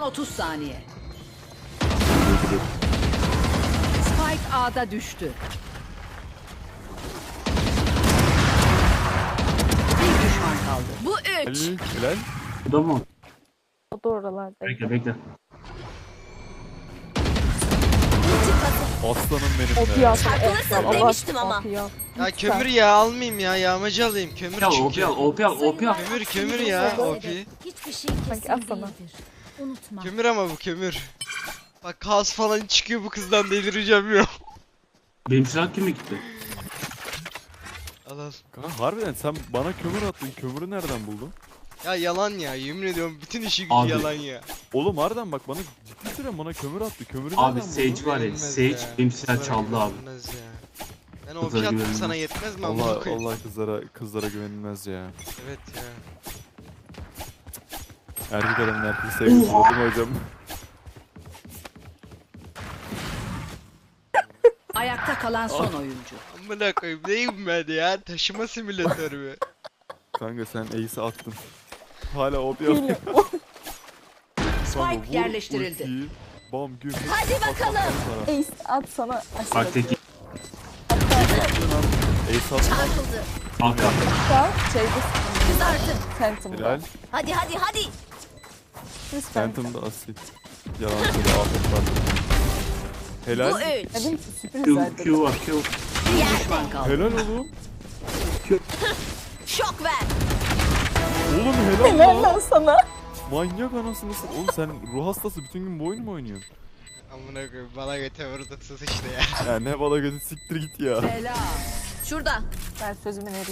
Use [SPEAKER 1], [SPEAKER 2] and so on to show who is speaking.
[SPEAKER 1] 30 saniye. Spike A'da düştü. Bir düşman kaldı. Bu 3.
[SPEAKER 2] Helal.
[SPEAKER 3] Bu da mı?
[SPEAKER 4] O da oralarda.
[SPEAKER 3] Bekle.
[SPEAKER 2] Aslanım benim
[SPEAKER 4] O
[SPEAKER 2] be.
[SPEAKER 4] piyasa.
[SPEAKER 5] Çarpılırsın demiştim ama.
[SPEAKER 6] Ya kömür ya almayayım ya yağmacı alayım kömür
[SPEAKER 3] Ya
[SPEAKER 6] çünkü.
[SPEAKER 3] OP al.
[SPEAKER 6] Kömür ya OP.
[SPEAKER 5] Hiçbir şey
[SPEAKER 4] Bak,
[SPEAKER 5] kesin
[SPEAKER 4] al sana.
[SPEAKER 5] değildir. Unutma.
[SPEAKER 6] Kömür ama bu kömür. Bak kaos falan çıkıyor bu kızdan delireceğim ya.
[SPEAKER 3] Benim silah kime gitti?
[SPEAKER 6] Al al.
[SPEAKER 2] Kanka harbiden sen bana kömür attın. Kömürü nereden buldun?
[SPEAKER 6] Ya yalan ya yemin ediyorum bütün işi gücü
[SPEAKER 3] Abi.
[SPEAKER 6] yalan ya.
[SPEAKER 2] Oğlum harbiden bak bana ciddi süre bana kömür attı. Kömürü
[SPEAKER 3] Abi
[SPEAKER 2] nereden
[SPEAKER 3] Sage
[SPEAKER 2] buldun?
[SPEAKER 3] var ya.
[SPEAKER 6] Yenilmez
[SPEAKER 3] Sage
[SPEAKER 6] ya.
[SPEAKER 3] benim silah
[SPEAKER 6] Kızlara
[SPEAKER 3] çaldı abi.
[SPEAKER 6] güvenilmez ya. Ben o
[SPEAKER 3] Kızlara
[SPEAKER 6] fiyat
[SPEAKER 3] güvenilmez.
[SPEAKER 6] sana yetmez mi amına
[SPEAKER 2] Allah
[SPEAKER 6] koyayım?
[SPEAKER 2] Allah kızlara güvenilmez ya.
[SPEAKER 6] Evet ya.
[SPEAKER 2] Erkek adamın erkek sevgisi değil mi hocam?
[SPEAKER 1] Ayakta kalan son oyuncu.
[SPEAKER 6] Amına koyayım neyim ben ya? Taşıma simülatörü mü?
[SPEAKER 2] Kanka sen Ace'i attın. Hala OP yapıyor.
[SPEAKER 1] Spike yerleştirildi.
[SPEAKER 2] Ultiyi, bam güm.
[SPEAKER 5] Hadi bakalım.
[SPEAKER 4] Ace at sana.
[SPEAKER 3] Bak tek
[SPEAKER 2] Ace attı.
[SPEAKER 5] Çarpıldı.
[SPEAKER 3] Kanka.
[SPEAKER 4] Şeyde
[SPEAKER 5] Kızardı.
[SPEAKER 4] Phantom'da.
[SPEAKER 2] Helal.
[SPEAKER 5] Hadi.
[SPEAKER 4] Biz
[SPEAKER 2] Phantom'da asil. Yalan söyle afet var. Helal.
[SPEAKER 5] Bu 3.
[SPEAKER 4] Dedim ki sürpriz
[SPEAKER 3] Q
[SPEAKER 4] zaten.
[SPEAKER 3] var Q.
[SPEAKER 1] Bir düşman kaldı.
[SPEAKER 2] Helal oğlum.
[SPEAKER 5] Şok ver.
[SPEAKER 2] Oğlum helal
[SPEAKER 4] Helal
[SPEAKER 2] lan.
[SPEAKER 4] lan sana.
[SPEAKER 2] Manyak anasını satayım. Oğlum sen ruh hastası bütün gün bu oyun mu oynuyorsun?
[SPEAKER 6] Amına koyayım bana göte vurdun sus işte ya.
[SPEAKER 2] Ya ne bala götü siktir git ya.
[SPEAKER 1] Selam.
[SPEAKER 5] Şurada.
[SPEAKER 4] Ben sözümün eri.